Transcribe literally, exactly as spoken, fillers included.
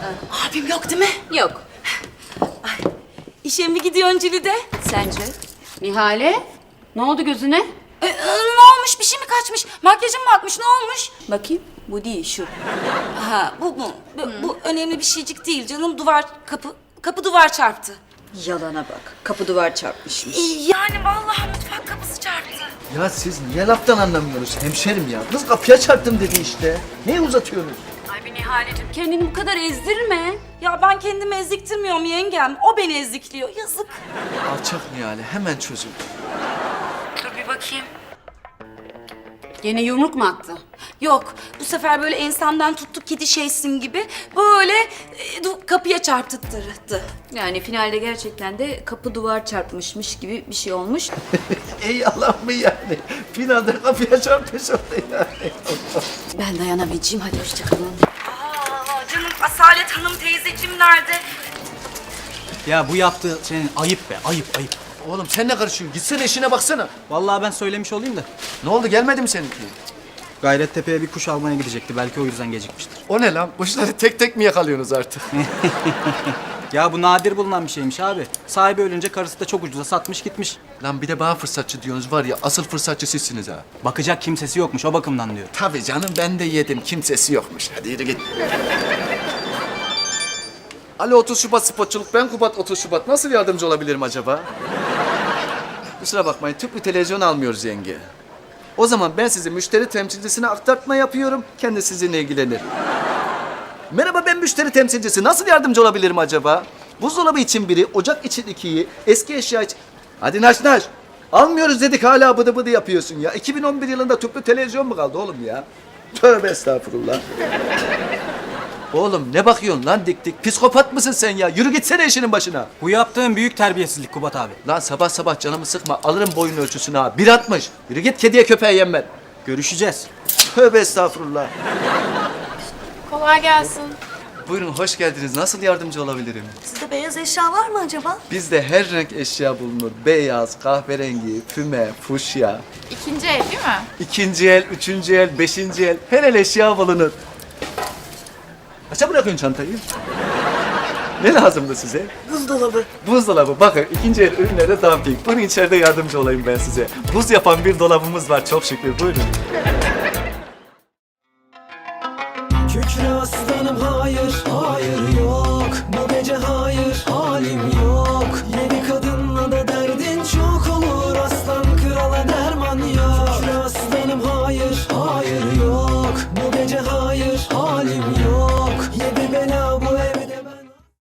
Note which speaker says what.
Speaker 1: Abim yok değil mi?
Speaker 2: Yok.
Speaker 1: İşe mi gidiyorsun Cülide?
Speaker 2: Sence? Nihale? Ne oldu gözüne?
Speaker 1: Ee, e, ne olmuş? Bir şey mi kaçmış? Makyajın mı akmış? Ne olmuş?
Speaker 2: Bakayım. Bu değil şu.
Speaker 1: Ha bu mu? Bu, bu önemli bir şeycik değil canım. Duvar, kapı, kapı duvar çarptı.
Speaker 2: Yalana bak. Kapı duvar çarpmışmış.
Speaker 1: Ee, Yani vallahi mutfak kapısı çarptı.
Speaker 3: Ya siz niye laftan anlamıyorsunuz hemşerim ya? Kız kapıya çarptım dedi işte. Niye uzatıyorsunuz?
Speaker 2: Ay bir Nihaleciğim kendini bu kadar ezdirme.
Speaker 1: Ya ben kendimi eziktirmiyorum yengem. O beni ezikliyor. Yazık.
Speaker 3: Alçak Nihale hemen çözül.
Speaker 1: Dur bir bakayım.
Speaker 2: Gene yumruk mu attı?
Speaker 1: Yok, bu sefer böyle ensemden tuttu kedi şeysin gibi böyle e, du- kapıya çarptırdı.
Speaker 2: Yani finalde gerçekten de kapı duvar çarpmışmış gibi bir şey olmuş.
Speaker 3: Ey Allah mı yani? Finalde kapıya çarpmış oldu yani.
Speaker 2: Ben dayanamayacağım. Hadi hoşçakalın.
Speaker 1: Aa, canım Asalet Hanım teyzeciğim nerede?
Speaker 4: Ya bu yaptığı senin ayıp be, ayıp ayıp.
Speaker 3: Oğlum sen ne karışıyorsun? Gitsene işine baksana.
Speaker 4: Vallahi ben söylemiş olayım da.
Speaker 3: Ne oldu gelmedi mi seninki?
Speaker 4: Gayrettepe'ye bir kuş almaya gidecekti. Belki o yüzden gecikmiştir.
Speaker 3: O ne lan? Kuşları tek tek mi yakalıyorsunuz artık?
Speaker 4: Ya bu nadir bulunan bir şeymiş abi. Sahibi ölünce karısı da çok ucuza satmış gitmiş.
Speaker 3: Lan bir de bana fırsatçı diyorsunuz var ya asıl fırsatçı sizsiniz ha.
Speaker 4: Bakacak kimsesi yokmuş o bakımdan diyor.
Speaker 3: Tabii canım ben de yedim. Kimsesi yokmuş. Hadi yürü git. Alo otuz Şubat spotçuluk. Ben Kubat otuz Şubat. Nasıl yardımcı olabilirim acaba? Kusura bakmayın. Tüplü televizyon almıyoruz yenge. O zaman ben sizi müşteri temsilcisine aktartma yapıyorum. Kendi sizinle ilgilenir. Merhaba ben müşteri temsilcisi. Nasıl yardımcı olabilirim acaba? Buzdolabı için biri, ocak için ikiyi, eski eşya için... Hadi naş naş. Almıyoruz dedik hala bıdı bıdı yapıyorsun ya. iki bin on bir yılında tüplü televizyon mu kaldı oğlum ya? Tövbe estağfurullah. Oğlum ne bakıyorsun lan dik dik? Psikopat mısın sen ya? Yürü gitsene işinin başına.
Speaker 4: Bu yaptığın büyük terbiyesizlik Kubat abi.
Speaker 3: Lan sabah sabah canımı sıkma. Alırım boyun ölçüsünü ha. Bir atmış. Yürü git kediye köpeğe yem ver.
Speaker 4: Görüşeceğiz.
Speaker 3: Tövbe estağfurullah.
Speaker 5: Kolay gelsin.
Speaker 3: Buyurun hoş geldiniz. Nasıl yardımcı olabilirim?
Speaker 5: Sizde beyaz eşya var mı acaba?
Speaker 3: Bizde her renk eşya bulunur. Beyaz, kahverengi, füme, fuşya.
Speaker 5: İkinci el değil mi?
Speaker 3: İkinci el, üçüncü el, beşinci el. Her el eşya bulunur. Kaça bırakıyorsun çantayı? Ne lazımdı size?
Speaker 5: Buzdolabı.
Speaker 3: Buzdolabı. Bakın ikinci el ürünlerde dumping. Bunun içeride yardımcı olayım ben size. Buz yapan bir dolabımız var çok şükür. Buyurun.